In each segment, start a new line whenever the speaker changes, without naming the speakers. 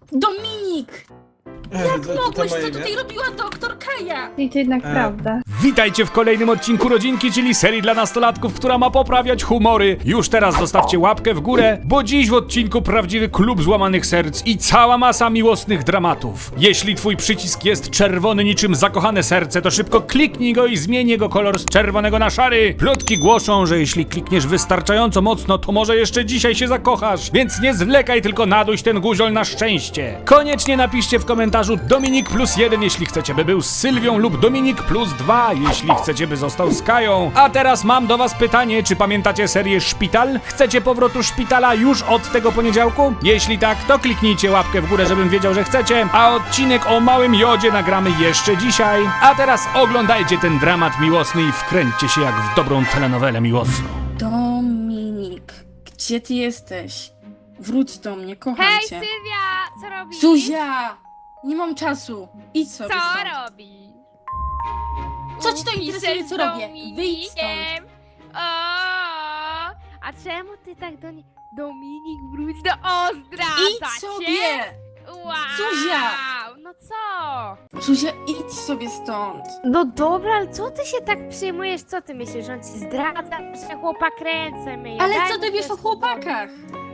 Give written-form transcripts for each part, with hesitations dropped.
Dominik! Jak mogłeś? Co tutaj robiła doktor Kaja?
I to jednak prawda.
Witajcie w kolejnym odcinku Rodzinki, czyli serii dla nastolatków, która ma poprawiać humory. Już teraz zostawcie łapkę w górę, bo dziś w odcinku prawdziwy klub złamanych serc i cała masa miłosnych dramatów. Jeśli twój przycisk jest czerwony niczym zakochane serce, to szybko kliknij go i zmień jego kolor z czerwonego na szary. Plotki głoszą, że jeśli klikniesz wystarczająco mocno, to może jeszcze dzisiaj się zakochasz, więc nie zwlekaj, tylko naduś ten guziol na szczęście. Koniecznie napiszcie w komentarzu Dominik +1, jeśli chcecie, by był z Sylwią, lub Dominik +2, jeśli chcecie, by został z Kają. A teraz mam do was pytanie, czy pamiętacie serię Szpital? Chcecie powrotu szpitala już od tego poniedziałku? Jeśli tak, to kliknijcie łapkę w górę, żebym wiedział, że chcecie, a odcinek o małym Jodzie nagramy jeszcze dzisiaj. A teraz oglądajcie ten dramat miłosny i wkręćcie się jak w dobrą telenowelę miłosną.
Dominik, gdzie ty jesteś? Wróć do mnie, kocham
Hej,
cię.
Sylwia! Co robisz?
Zuzia! Nie mam czasu. Idź sobie
Co
stąd.
robisz?
Co ci to interesuje, co robię? Wyjdź stąd.
Dominikiem. O, a czemu ty tak do niej... Dominik, wróć do Ozdra!
Idź sobie!
Wow!
Zuzia!
No co?
Zuzia, idź sobie stąd.
No dobra, ale co ty się tak przejmujesz? Co ty myślisz, że on ci zdradza? Że chłopak ręce myje.
Ale
Daj
co
mi
ty wiesz
też
o chłopakach?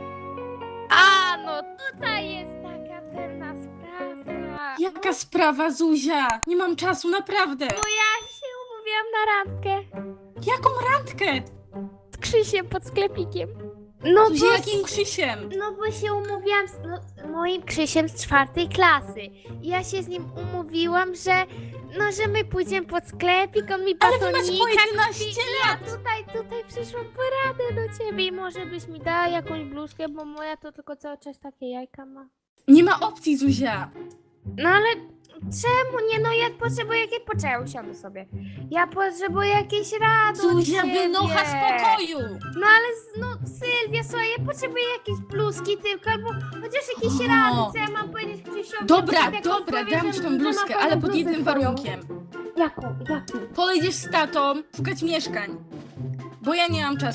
A, no tutaj jest taka pewna sprawa.
Jaka sprawa, Zuzia? Nie mam czasu, naprawdę.
No ja się umówiłam na randkę
Jaką randkę?
z Krzysiem pod sklepikiem. No
Zuzia,
bo,
jakim Krzysiem?
no bo się umówiłam z moim Krzysiem z 4. klasy. I ja się z nim umówiłam, że my pójdziemy pod sklepik, on mi
Ale wy
batonika
macie po 11
kupi.
lat.
Ja tutaj przyszłam po radę do ciebie i może byś mi dała jakąś bluzkę, bo moja to tylko cały czas takie jajka ma.
Nie ma opcji, Zuzia.
No ale czemu nie? No ja potrzebuję jakieś... Poczekaj, usiądę sobie. Ja potrzebuję jakiejś rady od
Zuzia,
ciebie.
wynocha z pokoju.
No ale, no Sylwia, słuchaj, ja potrzebuję jakiejś bluzki tylko, albo chociaż jakieś rady, co ja mam powiedzieć Krzysiowi.
Dobra,
jak on
dobra,
powie,
dam ci
że
tą bluzkę,
ma
ale
fajną
pod
bluzę
jednym
swoją.
warunkiem.
Jaką?
Pojedziesz z tatą szukać mieszkań. Bo ja nie mam czasu.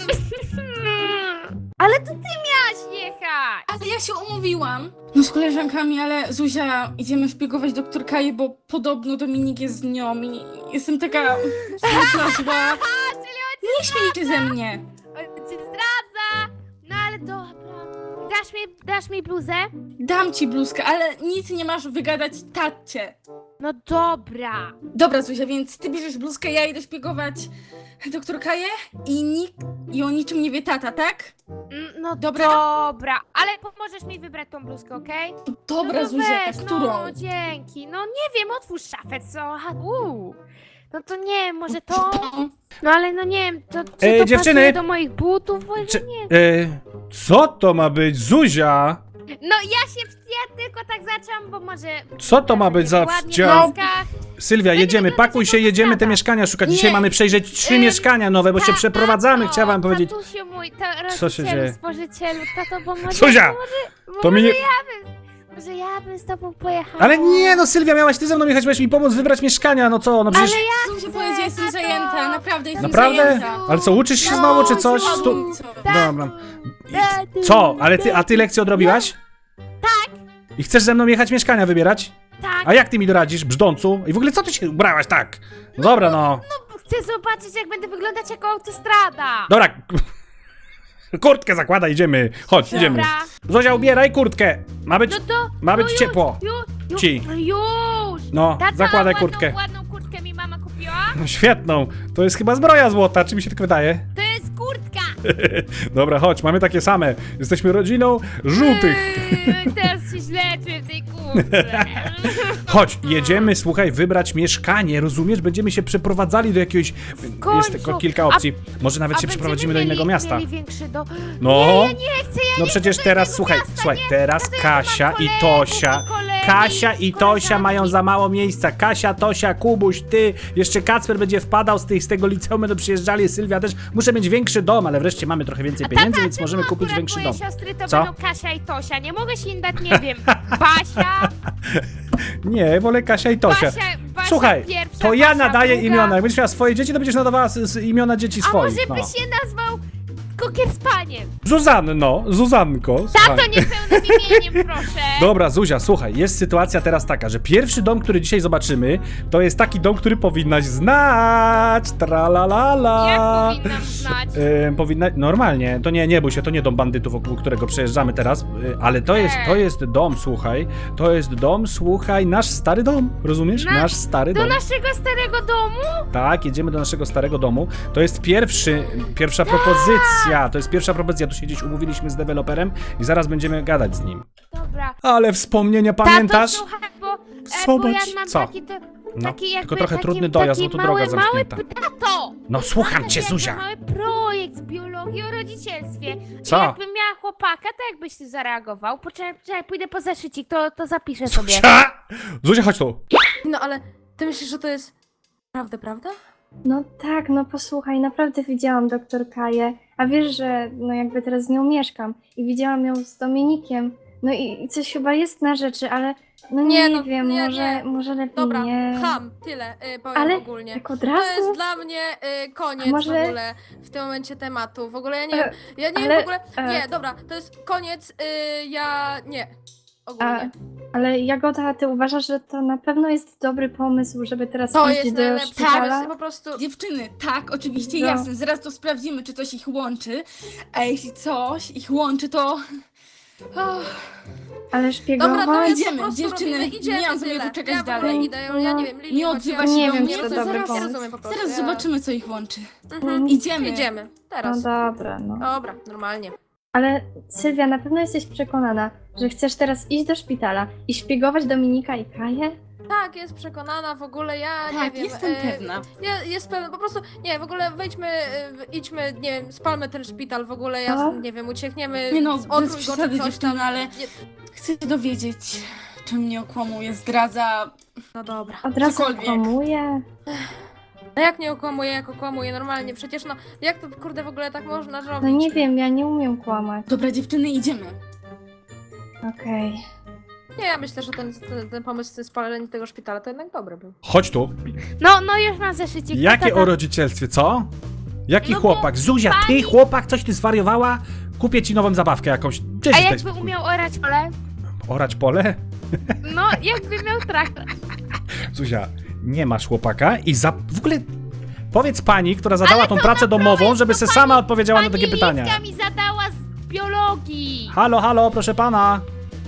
Ale to ty miałaś jechać!
Ale ja się umówiłam. No z koleżankami, ale Zuzia, idziemy szpiegować doktor Kaję, bo podobno Dominik jest z nią i jestem taka smutna, zła.
A, czyli on
Nie śmiej się ze mnie.
cię zdradza! No ale dobra. Dasz mi bluzę?
Dam ci bluzkę, ale nic nie masz wygadać tacie.
No dobra.
Dobra, Zuzia, więc ty bierzesz bluzkę, ja idę szpiegować doktor Kaję i i o niczym nie wie tata, tak?
No
Dobra.
dobra. Ale pomożesz mi wybrać tą bluzkę, okej?
Dobra,
no
Zuzia,
weź,
którą?
No dzięki. No nie wiem, otwórz szafę, co? Aha, No to nie wiem, może to... No ale no nie wiem, to czy to
dziewczyny!
pasuje do moich butów? Bo
Czy-
nie wiem.
Co to ma być, Zuzia?
No ja tylko tak zaczęłam, bo może...
Co to ma być za
ładnie w
wciąż?
bluzkach.
Sylwia, jedziemy, pakuj się, jedziemy te mieszkania szukać. Dzisiaj
Nie.
mamy przejrzeć 3 mieszkania nowe, bo się przeprowadzamy, chciałam wam powiedzieć.
Tatusiu mój,
Co się dzieje?
stworzycielu, tato, bo może...
Zuzia! To mi nie...
Może ja bym z tobą pojechała.
Ale nie, no Sylwia, miałaś ty ze mną jechać, miałeś mi pomóc wybrać mieszkania, no co, no przecież...
Ale ja
Zuzia
chcę,
powiedziała, jestem
tato.
zajęta, naprawdę jestem
Naprawdę?
zajęta.
Ale co, uczysz się znowu, czy coś? Dobra. Co? Ale a ty lekcję odrobiłaś? Tak. I chcesz ze mną jechać mieszkania wybierać?
Tak,
A jak ty mi doradzisz, brzdącu? I w ogóle co ty się ubrałaś tak? Dobra, no.
chcę zobaczyć, jak będę wyglądać jako autostrada.
Dobra. Kurtkę zakładaj, idziemy. Chodź, idziemy.
Dobra.
Zozia, ubieraj kurtkę. Ma być,
No to...
ma być
już,
ciepło.
Już,
Ci.
już.
No,
Tata,
zakładaj
ładną,
kurtkę.
Ładną kurtkę mi mama kupiła.
No świetną. To jest chyba zbroja złota, czy mi się tak wydaje?
To jest kurtka.
Dobra, chodź, mamy takie same. Jesteśmy rodziną żółtych.
Teraz się źle czuję w tej kurtce.
Chodź, jedziemy, słuchaj, wybrać mieszkanie, rozumiesz? Będziemy się przeprowadzali do jakiegoś... Jest
końcu.
tylko kilka opcji. Może nawet się przeprowadzimy do innego miasta.
Mieli większy do...
No.
Nie, ja nie chcę, ja
No
nie
przecież
chcę do
teraz,
innego
słuchaj,
miasta,
słuchaj,
nie.
teraz
Ja mam
Kasia i
kolegów,
Tosia.
kolegi,
Kasia i Tosia
koleżanki.
mają za mało miejsca. Kasia, Tosia, Kubuś, ty, jeszcze Kacper będzie wpadał z tego liceum, będą przyjeżdżali, Sylwia też. Muszę mieć większy dom, ale wreszcie mamy trochę więcej pieniędzy, więc możemy kupić
Akurat
większy
moje
dom.
siostry to
Co?
będą Kasia i Tosia. Nie mogę się im dać, nie wiem, Basia.
Nie, wolę Kasia i Tosia.
Basia
Słuchaj,
pierwsza,
to ja
Basia
nadaję
druga.
imiona. Jak będziesz miała swoje dzieci, to będziesz nadawała imiona dzieci
A
swoich.
może
No.
by się nazwał Kokier z paniem?
Zuzanko.
Tato, niepełnym imieniem, proszę.
Dobra, Zuzia, słuchaj, jest sytuacja teraz taka, że pierwszy dom, który dzisiaj zobaczymy, to jest taki dom, który powinnaś znać. Tralalala.
Jak powinnam znać?
Normalnie, to nie bój się, to nie dom bandytów, wokół którego przejeżdżamy teraz, ale to jest dom, słuchaj, nasz stary dom, rozumiesz? Nasz stary
Do
dom.
naszego starego domu?
Tak, jedziemy do naszego starego domu. To jest pierwsza propozycja. To jest pierwsza propozycja. Tu się gdzieś umówiliśmy z deweloperem i zaraz będziemy gadać z nim.
Dobra.
Ale wspomnienia, pamiętasz?
Tato, słuchaj, bo
Zobacz,
ja mam
co?
taki
No,
taki jakby,
tylko trochę
taki,
trudny dojazd,
taki
bo tu droga
mały,
zamknięta.
Tato!
No słucham cię,
Jakby
Zuzia.
mały projekt z biologii o rodzicielstwie.
Co?
I jakbym miała chłopaka, to jakbyś ty zareagował? Poczekaj, pójdę po zaszycik, to zapiszę sobie.
Zuzia, chodź tu.
No ale ty myślisz, że to jest prawda?
No tak, no posłuchaj, naprawdę widziałam doktor Kaję, a wiesz, że no jakby teraz z nią mieszkam i widziałam ją z Dominikiem, no i coś chyba jest na rzeczy, ale no nie wiem, może lepiej
Dobra,
nie.
tyle powiem
Ale
ogólnie.
tak od
To
razu?
jest dla mnie koniec
może-
w ogóle w tym momencie tematu. W ogóle ja nie
E,
wiem,
ale-
w ogóle, nie, dobra, to jest koniec, nie, ogólnie.
Ale Jagoda, ty uważasz, że to na pewno jest dobry pomysł, żeby teraz
To
iść
jest
do
najlepszy
szpitala?
pomysł, po prostu...
Dziewczyny, tak, oczywiście,
No.
jasne. Zaraz to sprawdzimy, czy coś ich łączy. A jeśli coś ich łączy, to... Oh,
Ale szpiegować?
Dobra, to jest
Idziemy,
po prostu
dziewczyny,
robimy,
nie
idziemy
mam zamiaru
tyle.
czekać
ja w ogóle
dalej.
idę, ja nie wiem, Lili,
Nie
chodź,
odzywa
ja-
się
Nie
do
wiem,
mnie,
czy to
to
dobry
zaraz,
pomysł.
Ja rozumiem po prostu.
zaraz zobaczymy, co ich łączy.
Mhm.
Idziemy.
Idziemy,
No
teraz.
dobra, no.
Dobra, normalnie.
Ale Sylwia, na pewno jesteś przekonana, że chcesz teraz iść do szpitala i szpiegować Dominika i Kaję?
Tak, jest przekonana w ogóle, ja nie
Tak,
wiem.
jestem pewna.
Jest pewna, po prostu, nie, w ogóle wejdźmy, idźmy, nie wiem, spalmy ten szpital w ogóle, ja,
No.
nie wiem, uciekniemy,
Nie no,
odwrój
bez
go
przesady,
czy coś
dziewczyny,
tam.
ale
Nie,
chcę się dowiedzieć, czym mnie okłamuje, zdradza...
no dobra.
Od razu
Cokolwiek.
kłamuje.
No jak nie okłamuję, jak okłamuję, normalnie, przecież no, jak to kurde w ogóle tak można zrobić?
No nie wiem, ja nie umiem kłamać.
Dobra, dziewczyny, idziemy.
Okej.
Nie, ja myślę, że ten pomysł z tym spaleniem tego szpitala to jednak dobry był.
Chodź tu.
No już mam zaszycik.
Jakie
Tata.
o rodzicielstwie, co? Jaki
No bo
chłopak? Zuzia, ty chłopak, coś ty zwariowała? Kupię ci nową zabawkę jakąś. Gdzieś
A
daj
jakby
spokój.
umiał orać pole?
Orać pole?
No, jakby miał traktor.
Zuzia, nie masz chłopaka i w ogóle powiedz pani, która zadała tą pracę domową, żeby se sama odpowiedziała na takie pytania.
Pani Liska mi zadała z biologii.
Halo, proszę pana.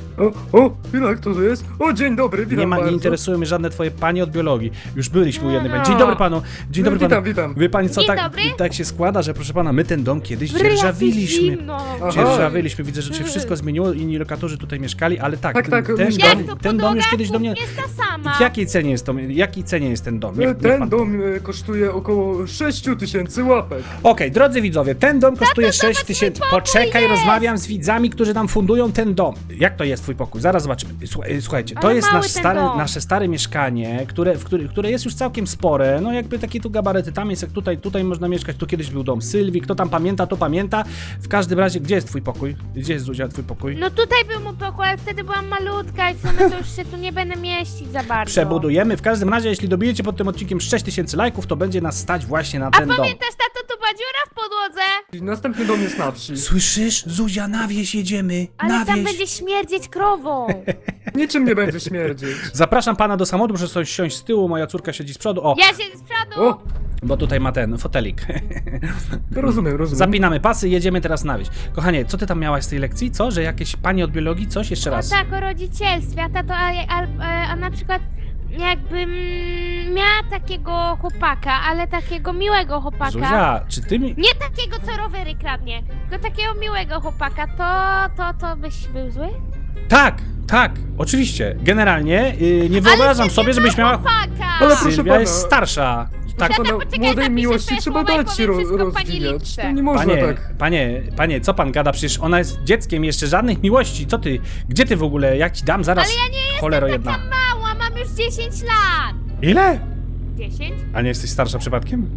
O, chwila, kto to jest? O, dzień dobry, witam
Nie
bardzo.
interesują mnie żadne twoje panie od biologii. Już byliśmy u jednej pani. Dzień dobry panu. Dzień dobry panu.
Witam.
Wie pani co,
Dzień
tak,
dobry.
tak się składa, że proszę pana, my ten dom kiedyś
W ryjach jest
dzierżawiliśmy.
zimno.
Aha.
Dzierżawiliśmy, widzę, że się wszystko zmieniło, inni lokatorzy tutaj mieszkali, ale tak,
Tak,
ten,
myślałem.
Jak to
ten dom już kiedyś do mnie...
jest ta sama.
W jakiej cenie jest to? Jakiej cenie jest ten dom? Niech
Ten
pan...
dom kosztuje około 6000 łapek.
Okej, drodzy widzowie, ten dom kosztuje 6
zobacz,
tysięcy.
mój pokój
Poczekaj,
jest!
rozmawiam z widzami, którzy tam fundują ten dom. Jak to jest twój pokój? Zaraz zobaczymy. Słuchajcie, to
Ale
jest
mały ten dom.
nasze stare mieszkanie, które jest już całkiem spore. No jakby takie tu gabaryty, tam jest jak tutaj można mieszkać. Tu kiedyś był dom Sylwii, kto tam pamięta, to pamięta. W każdym razie, gdzie jest twój pokój? Gdzie jest, Zuzia, twój pokój?
No tutaj był mój pokój, ale wtedy byłam malutka i w sumie to już się tu nie będę mieścić za bardzo.
Przebudujemy. W każdym razie, jeśli dobijecie pod tym odcinkiem 6000 lajków, to będzie nas stać właśnie na ten dom.
Pamiętasz, tato, tu była dziura w podłodze?
Następny dom jest na wsi.
Słyszysz? Zuzia, na wieś jedziemy.
Ale
na
tam
wieś.
będzie śmierdzieć krową.
Niczym nie będzie śmierdzieć.
Zapraszam pana do samochodu, proszę sobie siąść z tyłu, moja córka siedzi z przodu. O,
Ja się z przodu.
O,
bo tutaj ma ten fotelik.
rozumiem.
Zapinamy pasy, jedziemy teraz na wieś. Kochanie, co ty tam miałaś z tej lekcji? Co? Że jakieś panie od biologii? Coś? Jeszcze
No
raz.
tak, o rodzicielstwie, a tato, a na przykład jakbym miała takiego chłopaka, ale takiego miłego chłopaka.
Zuzia, czy ty mi...
Nie takiego, co rowery kradnie, tylko takiego miłego chłopaka, to byś był zły?
Tak, oczywiście. Generalnie nie wyobrażam sobie, żebyś miała...
Chłopaka!
Ale proszę
Sylwia
pana.
jest starsza. Tak,
Pana
poczekaj,
młodej
zapiszę
miłości
sobie
trzeba
słowa i
dać się
powiem wszystko pani
rozwijać.
Litce.
To nie można tak.
panie, co pan gada? Przecież ona jest dzieckiem, jeszcze żadnych miłości. Co ty? Gdzie ty w ogóle? Jak ci dam zaraz?
Ale ja nie jestem
Cholero
taka
jedna.
mała, mam już 10 lat!
Ile?
10?
A nie jesteś starsza przypadkiem?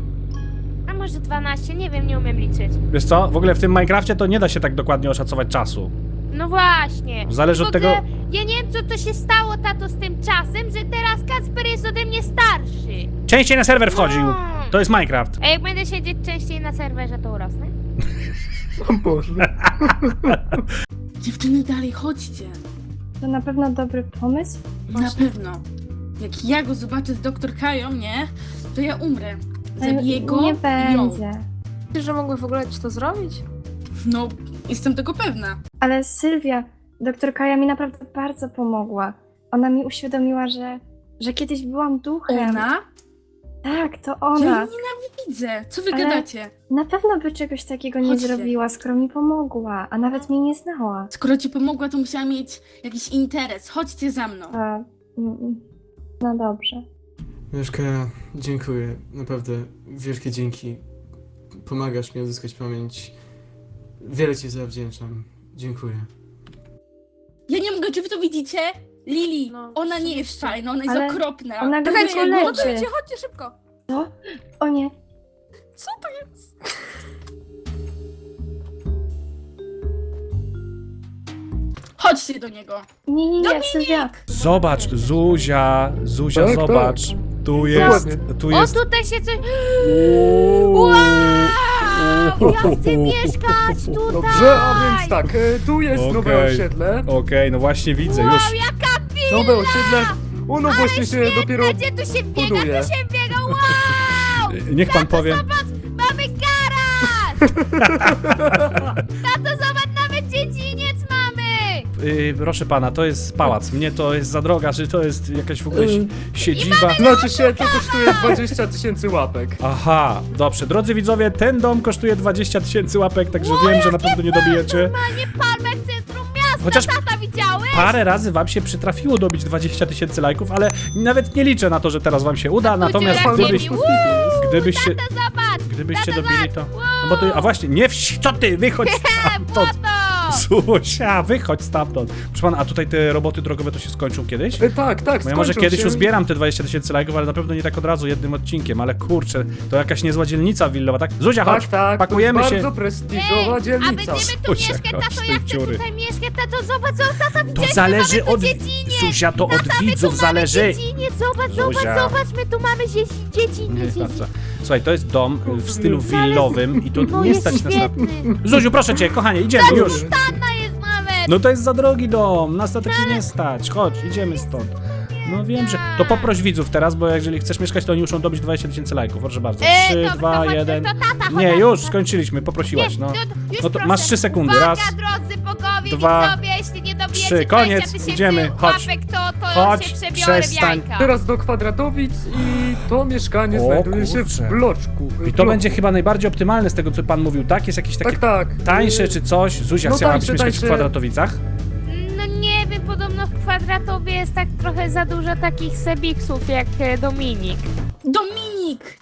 A może 12, nie wiem, nie umiem liczyć.
Wiesz co? W ogóle w tym Minecrafcie to nie da się tak dokładnie oszacować czasu.
No właśnie.
Zależy
W
od
ogóle
tego...
Ja nie wiem, co to się stało, tato, z tym czasem, że teraz Kacper jest ode mnie starszy.
Częściej na serwer wchodził.
No.
To jest Minecraft.
A jak będę siedzieć częściej na serwerze, to urosnę?
O Boże.
Dziewczyny, dalej, chodźcie.
To na pewno dobry pomysł?
Na pewno. Jak ja go zobaczę z doktor Kają, nie? To ja umrę.
Ale
Zabiję go
nie
i ją.
będzie.
Myślisz, że mogły w ogóle ci to zrobić?
No, jestem tego pewna.
Ale Sylwia, doktor Kaja mi naprawdę bardzo pomogła. Ona mi uświadomiła, że kiedyś byłam duchem.
Ona?
Tak, to
Ja
ona.
jej nienawidzę. Co wy
Ale-
gadacie?
Na pewno by czegoś takiego nie
Chodźcie.
zrobiła, skoro mi pomogła, a nawet mnie nie znała.
Skoro ci pomogła, to musiała mieć jakiś interes. Chodźcie za mną.
No dobrze.
Mieszka, dziękuję. Naprawdę, wielkie dzięki. Pomagasz mi odzyskać pamięć. Wiele ci zawdzięczam. Dziękuję.
Ja nie mogę, czy wy to widzicie? Lili,
No,
ona nie jest
oczywiście.
fajna, ona jest
Ale
okropna.
ona go
Czekajcie,
tylko leczy.
chodźcie, chodźcie szybko!
Co? O nie.
Co to jest?
Chodźcie do niego.
Nie, Sylwia.
Zobacz, Zuzia,
Tak,
zobacz. Tu jest,
Dokładnie.
tu
O,
jest...
tutaj się coś...
Uuu.
Ja chcę mieszkać tutaj!
Dobrze, a więc tak, tu jest nowe
Okej.
osiedle.
Okej, no właśnie widzę, już.
Nowe osiedle. Ono właśnie się dopiero
Gdzie tu się biega,
buduje.
tu się biega, wow!
Niech pan powie.
Mamy garaż! Tato, zobacz, nawet dziedziniec mamy!
Proszę pana, to jest pałac. Mnie to jest za droga, czy to jest jakaś w ogóle siedziba?
Znaczy się, to kosztuje 20 000 łapek.
Aha, dobrze. Drodzy widzowie, ten dom kosztuje 20 000 łapek, także wiem, że na pewno nie dobijecie.
Normalnie palmę w centrum miasta,
Chociaż
tata, widziałeś?
parę razy wam się przytrafiło dobić 20 000 lajków, ale nawet nie liczę na to, że teraz wam się uda, natomiast
dziura
gdybyście
Zobacz,
gdybyście dobili to... No bo to... A właśnie, nie co ty, wychodź stamtąd!
błoto!
Zuzia, wychodź stamtąd. Proszę pana, a tutaj te roboty drogowe to się skończą kiedyś?
Tak,
Bo ja może
skończą
kiedyś
się.
uzbieram te 20 000 lajków, ale na pewno nie tak od razu, jednym odcinkiem, ale kurczę, to jakaś niezła dzielnica willowa, tak? Zuzia, chodź,
Tak,
pakujemy
to
się.
jest bardzo prestiżowa
A
dzielnica.
będziemy tu
Zuzia,
mieszkać,
chodź
tato,
z
ja
tej
chcę
dziury.
tutaj mieszkać, tato, zobacz, tata,
To
widziałeś,
zależy
my mamy
od...
tu dziedziniec.
Zuzia, to od
Tata, my tu
widzów
mamy
zależy.
dziedziniec, zobacz,
Zuzia.
zobacz, my tu mamy
Nie
dziedziniec.
starcza. Słuchaj, to jest dom w stylu willowym i tu
No
nie
jest
stać nas na...
świetny.
Zuziu, proszę cię, kochanie, idziemy już.
Tanna jest nawet.
No to jest za drogi dom, nas na taki nie stać. Chodź, idziemy stąd. No wiem, że... To poproś widzów teraz, bo jeżeli chcesz mieszkać, to oni muszą dobić 20 000 lajków, proszę bardzo. 3,
dobra,
2,
chodźmy,
1...
to tata,
Nie,
chodź,
już,
chodź.
skończyliśmy, poprosiłaś, no.
Już
No to
proszę.
masz 3 sekundy,
Uwaga,
raz,
drodzy bogowie,
2,
widzowie, jeśli nie dobijecie
3, koniec,
20 000
idziemy, chodź.
łapek, to
Chodź,
się przebiorę w
przestań.
jajka.
Teraz do Kwadratowic i to mieszkanie
O,
znajduje się
kurczę.
w bloczku.
I to będzie chyba najbardziej optymalne z tego, co pan mówił, tak? Jest jakieś takie
Tak.
tańsze czy coś? Zuzia,
No
chciałabyś
tańsze,
mieszkać w
tańsze.
Kwadratowicach?
No nie wiem, podobno w Kwadratowie jest tak trochę za dużo takich sebiksów jak Dominik.
Dominik!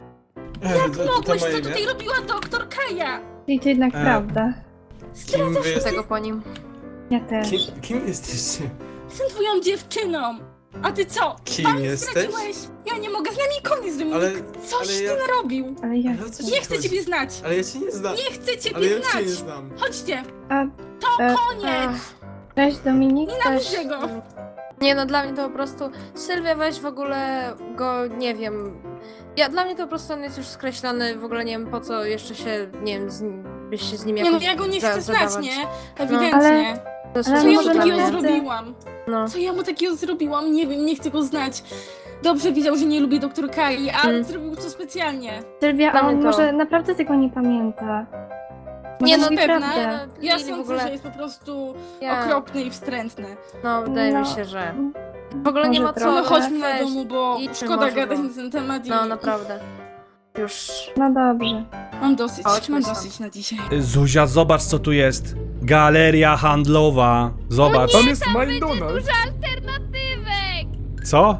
Jak mogłeś, co tutaj robiła doktor Kaja?
I to jednak
E,
prawda.
Kim wy
Tego po nim.
Ja też.
Kim jesteście?
Jestem twoją dziewczyną. A ty co?
Kim
Pan
jesteś?
zdradziłeś? Ja nie mogę, z nami koniec, Dominik.
Ale-
Coś
ale
ty
ja-
narobił.
Ale ja
Ale o co
chcę.
ci
Nie chcę
chodzi?
ciebie znać.
Ale ja cię nie znam.
Nie chcę
Ale
ciebie
ja cię nie
znać.
znam.
Chodźcie.
A,
To
e,
koniec.
cześć Dominik, też.
Nienawidzę go.
Nie no, dla mnie to po prostu... Sylwia, weź w ogóle go, nie wiem... Dla mnie to po prostu on jest już skreślony, w ogóle nie wiem po co jeszcze się, nie wiem, byś się z nim
Nie no,
jakoś
ja go nie chcę znać,
zadawać.
nie? Ewidentnie.
To jest
Ale
Co ja mu
może
takiego
naprawdę-
zrobiłam?
No.
Co ja mu takiego zrobiłam? Nie wiem, nie chcę go znać. Dobrze wiedział, że nie lubię doktor Kai, ale zrobił to specjalnie.
Sylwia,
Dla
a on
mnie to-
może naprawdę tego nie pamięta.
Nie,
Może
no
mówi
pewna.
prawdę.
Ja
Lili w
sądzę,
ogóle...
że jest po prostu
Ja-
okropny i wstrętny.
No, wydaje mi
No.
się, że... W ogóle nie
Może
ma co...
trochę.
No chodźmy do
weź.
domu, bo
idźmy
szkoda
może,
gadać
bo-
na ten temat i
No, naprawdę. Już...
No dobrze.
mam dosyć,
Chodźmy
mam
stąd.
dosyć na dzisiaj.
Zuzia, zobacz co tu jest. Galeria handlowa. Zobacz.
Tam jest McDonald's.
Alternatywek!
Co?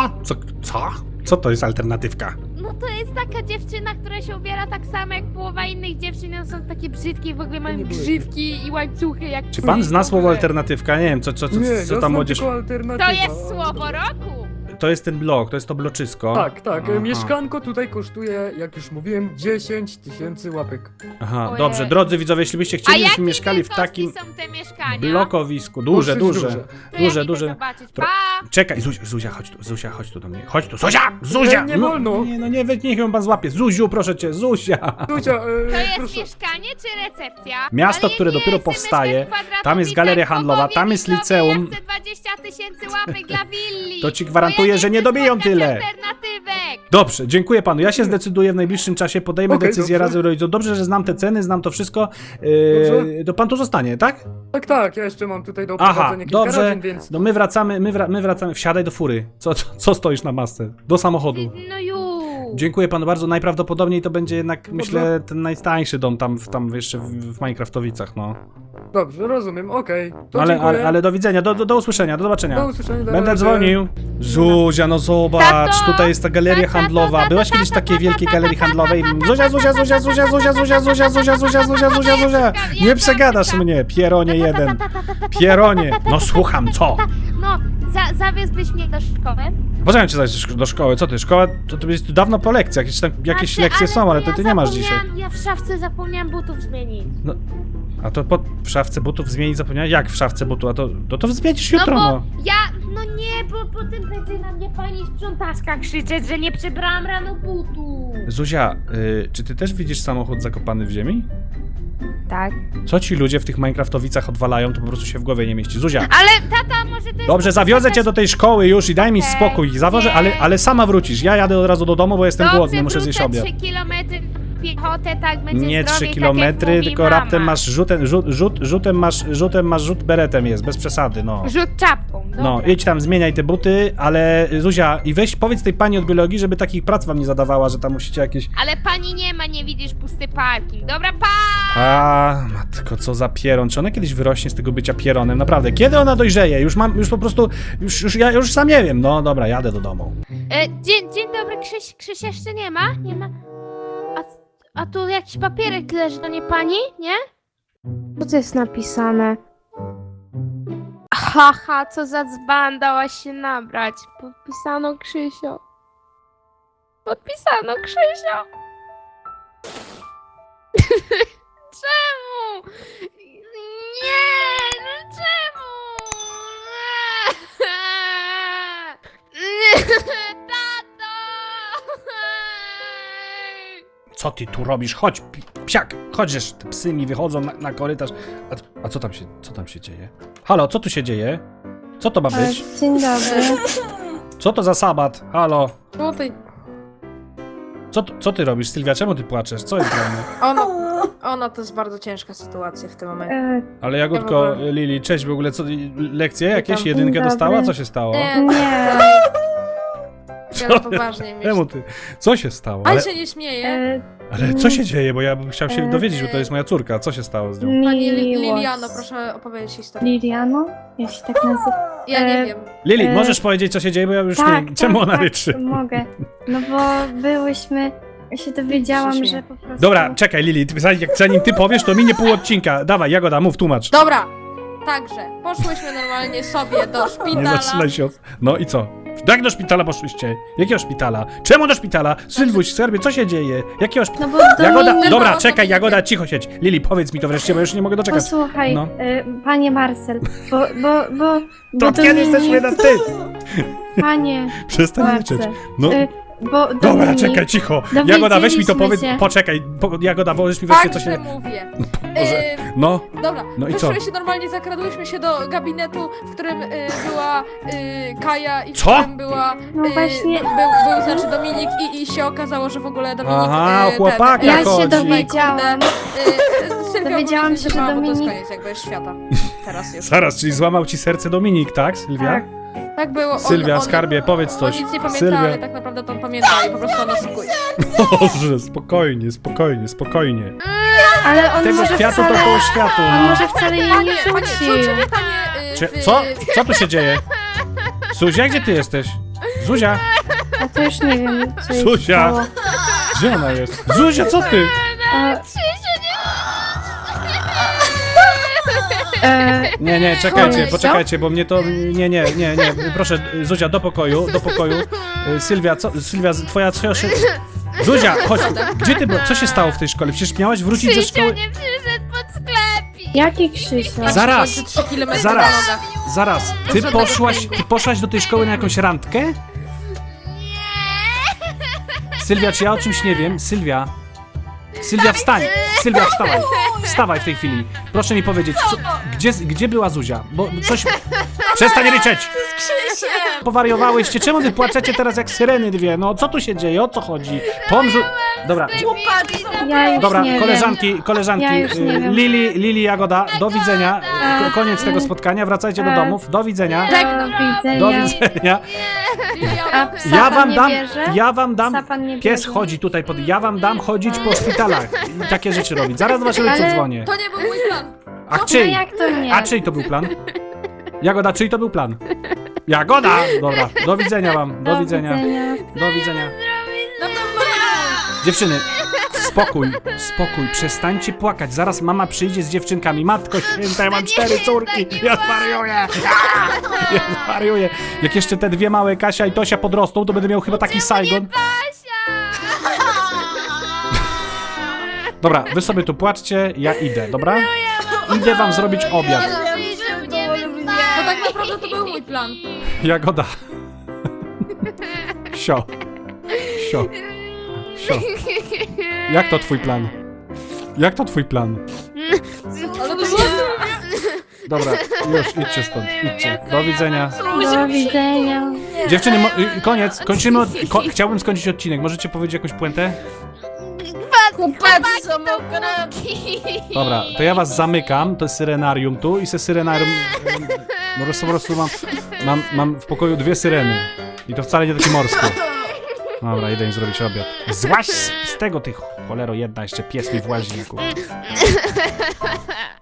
Co? Co to jest alternatywka?
No to jest taka dziewczyna, która się ubiera tak samo jak połowa innych dziewczyn, one są takie brzydkie i w ogóle mają grzywki i łańcuchy jak...
Czy pan zna słowo alternatywka? Nie wiem, co
Nie, ja
ta
znam
młodzież...
tylko alternatywę.
To jest słowo roku!
to jest ten blok, to jest to bloczysko.
Tak, tak.
Aha.
Mieszkanko tutaj kosztuje, jak już mówiłem, 10 000 łapek.
Aha,
Ojej.
dobrze, drodzy widzowie, jeśli byście chcieli, żebyśmy mieszkali w takim
są te mieszkania?
blokowisku, duże,
Dosyć
duże.
To ja idę
duże.
zobaczyć.
Tro-
Pa!
Czekaj, Zuzia, chodź tu, Zuzia, chodź tu do mnie. Chodź tu, Zuzia!
Nie wolno.
Nie, no nie, niech ją pan złapie. Zuziu, proszę cię, Zuzia!
Zuzia,
To jest
proszę.
mieszkanie czy recepcja?
Miasto,
Ale
które
nie
dopiero
chcę
powstaje,
mieszkać w Kwadratowicach,
tam jest galeria handlowa,
popowie
tam
mi
jest
sobie,
liceum.
Ja chcę 20 000 łapek dla willi.
To ci gwarantuję,
Bo
że nie
chcę
dobiją
spotkać
tyle.
alternatywek.
Dobrze, dziękuję panu. Ja się zdecyduję w najbliższym czasie, podejmę
Okej,
decyzję
dobrze.
razem rodziców. Dobrze, że znam te ceny, znam to wszystko.
Dobrze.
To pan tu zostanie, tak?
Tak, tak, ja jeszcze mam tutaj do
Aha,
oprowadzenia kilka
dobrze.
rodzin, więc...
No my wracamy, my wracamy. Wsiadaj do fury. Co stoisz na masce? Do samochodu.
No już.
Dziękuję panu bardzo. Najprawdopodobniej to będzie jednak, myślę, ten najtańszy dom tam jeszcze w Minecraftowicach, no.
Dobrze, rozumiem, okej. To dziękuję.
Ale do widzenia, do usłyszenia, do zobaczenia.
Do usłyszenia, do
Będę
razie.
dzwonił. Zuzia, no zobacz,
Tato!
tutaj jest ta galeria handlowa. Byłaś kiedyś w takiej wielkiej galerii handlowej? Zuzia! Nie przegadasz mnie, pieronie jeden. Pieronie. No słucham, co?
No, zawiózłbyś mnie do szkoły?
Poczekaj cię zaś do szkoły, co ty? Szkoła, to jest dawno po lekcjach, jakieś lekcje są, ale to ty nie masz dzisiaj.
Ja w szafce zapomniałam butów zmienić.
A to w szafce butów zmienić zapomniałeś? Jak w szafce butów? A to zmienisz jutro,
no bo
no.
no nie, bo potem będzie na mnie pani sprzątaczka krzyczeć, że nie przebrałam rano butów.
Zuzia, czy ty też widzisz samochód zakopany w ziemi?
Tak.
Co ci ludzie w tych Minecraftowicach odwalają, to po prostu się w głowie nie mieści. Zuzia,
Ale tata, może to jest...
dobrze, zawiozę cię do tej szkoły już i daj mi
Okej,
spokój. Zawożę,
nie.
ale sama wrócisz. Ja jadę od razu do domu, bo jestem głodny, muszę zjeść obiad.
3 kilometry piechotę, tak będzie
Nie 3
zdrowiej,
kilometry,
tak jak mówi
tylko
mama.
raptem masz rzutem masz rzut beretem jest, bez przesady, no.
Rzut czapką, dobra.
No, idź tam, zmieniaj te buty, ale Zuzia, i powiedz tej pani od biologii, żeby takich prac wam nie zadawała, że tam musicie jakieś...
Ale pani nie ma, nie widzisz, pusty parking. Dobra, pa!
A, matko, co za pieron. Czy ona kiedyś wyrośnie z tego bycia pieronem? Naprawdę, kiedy ona dojrzeje? Już po prostu, ja już sam nie wiem. No dobra, jadę do domu.
Dzień dobry, Krzyś jeszcze nie ma? Nie ma? A tu jakiś papierek leży, to nie pani, nie? Co to jest napisane? Haha, co za dzban, dałaś się nabrać. Podpisano Krzysio. Podpisano Krzysio. Czemu? Nie, no czemu? Tato!
Co ty tu robisz? Chodź, psiak, chodź, te psy mi wychodzą na korytarz. A co tam się dzieje? Halo, co tu się dzieje? Co to ma być?
Dzień dobry.
Co to za sabat? Halo,
Tutaj
co ty robisz, Sylwia? Czemu ty płaczesz? Co jest grane?
ona to jest bardzo ciężka sytuacja w tym momencie.
Ale Jagódko,
Ja w ogóle-
Lili, cześć, w ogóle co, lekcje jakieś?
Witam.
Jedynkę
Dzień
dostała?
dobry.
Co się stało?
Nie,
Nie.
ale poważnie myślę.
Czemu ty? Co się stało?
Ale się nie śmieje.
Ale co się dzieje? Bo ja bym chciał się dowiedzieć, bo to jest moja córka. Co się stało z nią?
Pani
Miłość.
Liliano, proszę opowiedzieć historię.
Liliano? Ja się tak nazywam.
Ja nie wiem.
Lili,
E,
możesz powiedzieć, co się dzieje, bo ja już nie wiem, czemu ona ryczy.
Mogę. No bo byłyśmy... Ja się dowiedziałam,
Śmieję.
że po prostu...
Dobra, czekaj, Lili, zanim ty powiesz, to minie pół odcinka. Dawaj, Jagoda, mów, tłumacz.
Dobra, także poszłyśmy normalnie sobie do
Nie
szpitala.
zaczynaj się od... No i co? Jak do szpitala poszłyście? Jakiego szpitala? Czemu do szpitala? Sylwuś, skarbie, co się dzieje? Jakiego szpitala?
No bo
Jagoda,
Dominik...
dobra,
Dominik-
czekaj, Jagoda, cicho siedź. Lili, powiedz mi to wreszcie, bo już nie mogę doczekać.
Posłuchaj,
No.
panie Marcel, bo
To od kiedy jesteśmy na ty?
Panie
Przestań
Marcel,
ryczeć. No,
bo
dobra,
Dominik,
czekaj, cicho. Jagoda, weź mi to
dowiedzieliśmy
powiedz,
się-
poczekaj. Jagoda, weź mi wreszcie, co
Także
się...
mówię.
Boże. No,
Dobra,
No i co?
wyszły się normalnie, zakradłyśmy się do gabinetu, w którym była Kaja i w
Co?
którym była...
No właśnie.
Był znaczy Dominik i się okazało, że w ogóle Dominik...
Aha, o chłopaka
Ja się
chodzi.
dowiedziałam.
Dowiedziałam
się, że
Bo to jest
Dominik-
koniec jakby świata. Teraz już.
Zaraz, czyli złamał ci serce Dominik, tak, Sylwia?
Tak.
Tak było.
Sylwia, skarbie, powiedz coś.
On nic nie pamięta,
Sylwia.
ale tak naprawdę to on pamięta i po prostu on oszukuje.
Boże, spokojnie.
Ale on
Tego
może
światu
wcale...
to koło światu.
On
No.
może wcale jej nie
Panie,
rzucił.
rzucimy panie...
Co? Co tu się dzieje? Zuzia, gdzie ty jesteś? Zuzia,
A to już nie wiem, co jej
Zuzia.
stało.
gdzie ona jest? Zuzia, co ty?
A,
Nie, czekajcie,
Koniec,
poczekajcie, bo mnie to... Nie, proszę, Zuzia, do pokoju. Sylwia, Sylwia, twoja... Zuzia, chodź tu. Gdzie ty byłaś? Co się stało w tej szkole? Przecież miałaś wrócić ze szkoły...
nie przyszedł pod sklepik.
Jaki Krzysia?
Zaraz,
3 kilometry
zaraz.
na nogach.
Zaraz, ty poszłaś do tej szkoły na jakąś randkę? Sylwia, czy ja o czymś nie wiem? Sylwia, wstań! Sylwia, wstawaj! Wstawaj w tej chwili. Proszę mi powiedzieć, gdzie była Zuzia? Bo coś... Przestań ryczeć! Powariowałyście, czemu wy płaczecie teraz jak syreny dwie? No, co tu się dzieje? O co chodzi? Dobra,
Ja już
dobra,
nie
koleżanki,
Ja już nie wiem.
Lili, Jagoda, do widzenia. Koniec tego spotkania, wracajcie do domów. Do widzenia.
wiem.
Do
Do widzenia.
widzenia.
A psa pan nie bierze?
Ja wam dam,
Psa pan nie
pies
bierze?
chodzi tutaj ja wam dam chodzić po szpitalach i takie rzeczy robić. Zaraz do waszego ojca
Ale-
dzwonię.
To nie był mój plan.
A
No
czyj?
jak to nie?
A czyj to był plan? Jagoda, czyj to był plan? Jagoda! Dobra, do widzenia wam, do widzenia. Do widzenia. Dziewczyny, spokój, przestańcie płakać. Zaraz mama przyjdzie z dziewczynkami. Matko święta, ja mam 4 córki. Ja zwariuję. Ja zwariuję. Jak jeszcze te dwie małe, Kasia i Tosia, podrosną, to będę miał chyba taki Saigon. Dobra, wy sobie tu płaczcie, ja idę, dobra? Idę wam zrobić obiad.
To tak naprawdę to był mój plan.
Jagoda. Sio. Jak to twój plan? Jak to twój plan?
Ale to było...
Dobra, już idźcie stąd, idźcie. Do widzenia.
Do widzenia.
Dziewczyny, koniec, kończymy. Chciałbym skończyć odcinek. Możecie powiedzieć jakąś puentę?
Chłopacy są okropni.
Dobra, to ja was zamykam, to jest syrenarium tu i se syrenarium... Po prostu mam w pokoju 2 syreny. I to wcale nie takie morskie. Dobra, idę im zrobić obiad. Złaź z tego, ty cholero jedna, jeszcze pies mi włazi.